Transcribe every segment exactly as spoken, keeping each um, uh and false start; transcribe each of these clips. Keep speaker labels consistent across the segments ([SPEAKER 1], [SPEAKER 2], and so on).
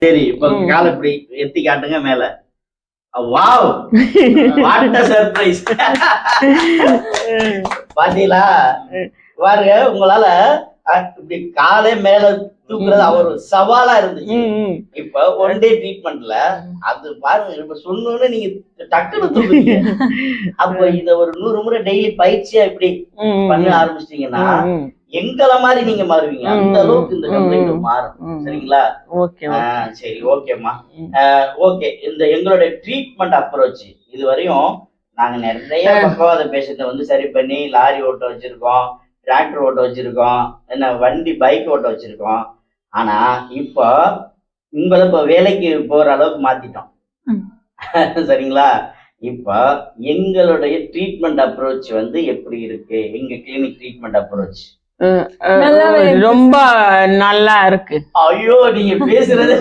[SPEAKER 1] சரி, இப்ப கால இப்படி எத்தி காட்டுங்க மேல. வாவ்! What a surprise. பாத்தீங்களா? பாருங்க, உங்களால இப்படி காலே மேல தூக்குறது அவர் சவாலா இருந்துச்சு. இப்ப ஒன் டே ட்ரீட்மெண்ட்ல அது பாருங்க, இப்ப சொன்னோன்னு நீங்க டக்குனு தூக்குறீங்க. அப்ப இத ஒரு நூறு முறை டெய்லி பயிற்சியா இப்படி பண்ண ஆரம்பிச்சிட்டீங்கன்னா எங்கள மாதிரி நீங்க மாறுவீங்க. அந்த அளவுக்கு இந்த கம்ப்ளைண்ட் மாறும். சரிங்களா?
[SPEAKER 2] ஓகே.
[SPEAKER 1] சரி, ஓகேம்மா. ஓகே, இந்த எங்களுடைய ட்ரீட்மெண்ட் அப்ரோச் இதுவரையும் நாங்க நிறைய பக்கவாத பேஷண்ட்டை வந்து சரி பண்ணி லாரி ஓட்ட வச்சிருக்கோம், டிராக்டர் ஓட்ட வச்சிருக்கோம், என்ன வண்டி பைக் ஓட்ட வச்சிருக்கோம். ஆனா இப்போ உங்களை இப்போ வேலைக்கு போற அளவுக்கு மாத்திட்டோம். சரிங்களா? இப்போ எங்களுடைய ட்ரீட்மெண்ட் அப்ரோச் வந்து எப்படி இருக்கு? எங்க கிளினிக் ட்ரீட்மெண்ட் அப்ரோச்
[SPEAKER 2] ரொம்ப நல்லா இருக்கு.
[SPEAKER 1] ஐயோ, நீங்க பேசுறது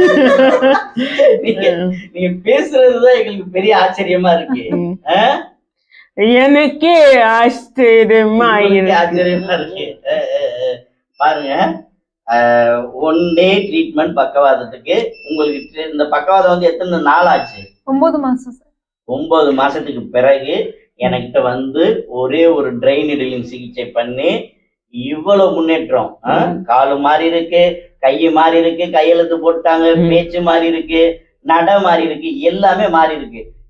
[SPEAKER 1] நீங்க நீங்க பேசுறதுதான் எங்களுக்கு பெரிய ஆச்சரியமா இருக்கு.
[SPEAKER 2] எனக்கு ஆச்சரியமா
[SPEAKER 1] ஆச்சரியமா இருக்கு. பாருங்க, ஒன் டே ட்ரீட்மெண்ட் பக்கவாதத்துக்கு உங்களுக்கு இந்த பக்கவாதம் வந்து எத்தனை நாள் ஆச்சு?
[SPEAKER 3] ஒன்பது மாசம்.
[SPEAKER 1] ஒன்பது மாசத்துக்கு பிறகு என்கிட்ட வந்து ஒரே ஒரு ட்ரெயின் நீடிலிங் சிகிச்சை பண்ணி இவ்வளவு முன்னேற்றம். காலு மாறி இருக்கு, கையு மாறி இருக்கு, கையெழுத்து போட்டாங்க, பேச்சு மாறி இருக்கு, நட மாறி இருக்கு, எல்லாமே மாறி இருக்கு.